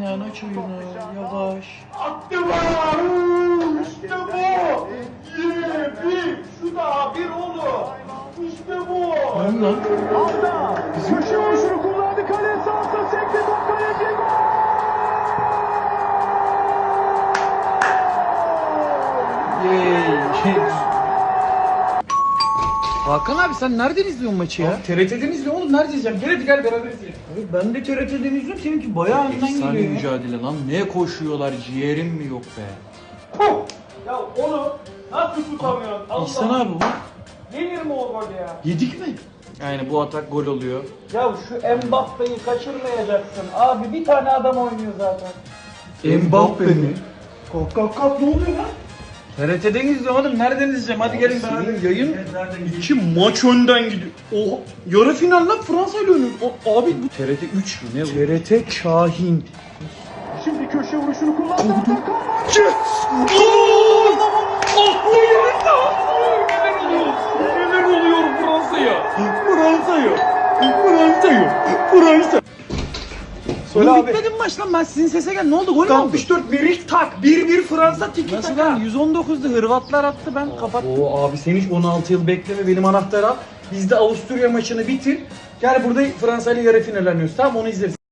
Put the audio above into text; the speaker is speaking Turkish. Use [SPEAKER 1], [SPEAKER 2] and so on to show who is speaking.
[SPEAKER 1] Yani aç oyunu yavaş.
[SPEAKER 2] Attı mı? İşte bu. Bir. Şu da bir oğlum. İşte bu.
[SPEAKER 1] Lan lan.
[SPEAKER 2] Arda. Köşe vuruşunu kullandı. Kale sahasına sekti. Top kaleci.
[SPEAKER 1] Yey. Hakan abi sen nereden izliyorsun maçı ya?
[SPEAKER 2] TRT'den izliyorum oğlum. Nerede izleyeceğim? Gel beraber izleyelim.
[SPEAKER 1] Abi ben de TRT'den izliyorum. Seninki bayağı önden
[SPEAKER 3] Efsane
[SPEAKER 1] geliyor ya.
[SPEAKER 3] mücadele lan. Ne koşuyorlar, ciğerim mi yok be?
[SPEAKER 2] Ya onu nasıl tutamıyorsun? Allah.
[SPEAKER 1] İhsan abi bu.
[SPEAKER 2] Yenir mi o gol ya?
[SPEAKER 1] Yedik mi?
[SPEAKER 3] Yani bu atak gol oluyor.
[SPEAKER 2] Ya şu Mbappe'yi kaçırmayacaksın. Abi bir tane adam oynuyor zaten.
[SPEAKER 1] Mbappe mi?
[SPEAKER 2] Kalk ne oluyor lan?
[SPEAKER 1] TRT'den izliyorum oğlum. Nereden izleyeceğim? Hadi gelin beraber.
[SPEAKER 3] Senin yayın
[SPEAKER 1] İki maç önden gidiyor. Oha. Yarı final lan Fransa ile oynuyor. Abi bu
[SPEAKER 3] TRT 3 mü ne bu?
[SPEAKER 1] TRT Kahin.
[SPEAKER 2] Şimdi köşe vuruşunu kullandı.
[SPEAKER 3] Neler oluyor Fransa'ya?
[SPEAKER 1] Fransa.
[SPEAKER 2] Söyle
[SPEAKER 1] Oğlum
[SPEAKER 2] abi.
[SPEAKER 1] bitmedi mi maç lan? Ben sizin sese gel. Ne oldu? Gol mü oldu?
[SPEAKER 2] 64 Merik tak. 1-1 Fransa tiki
[SPEAKER 1] Nasıl
[SPEAKER 2] taka.
[SPEAKER 1] lan? 119'da Hırvatlar attı, ben kapattım.
[SPEAKER 2] Oo abi sen hiç 16 yıl bekleme, benim anahtarı al. Biz de Avusturya maçını bitir. Gel burada Fransa ile yarı final oynuyoruz. Tamam onu izleriz.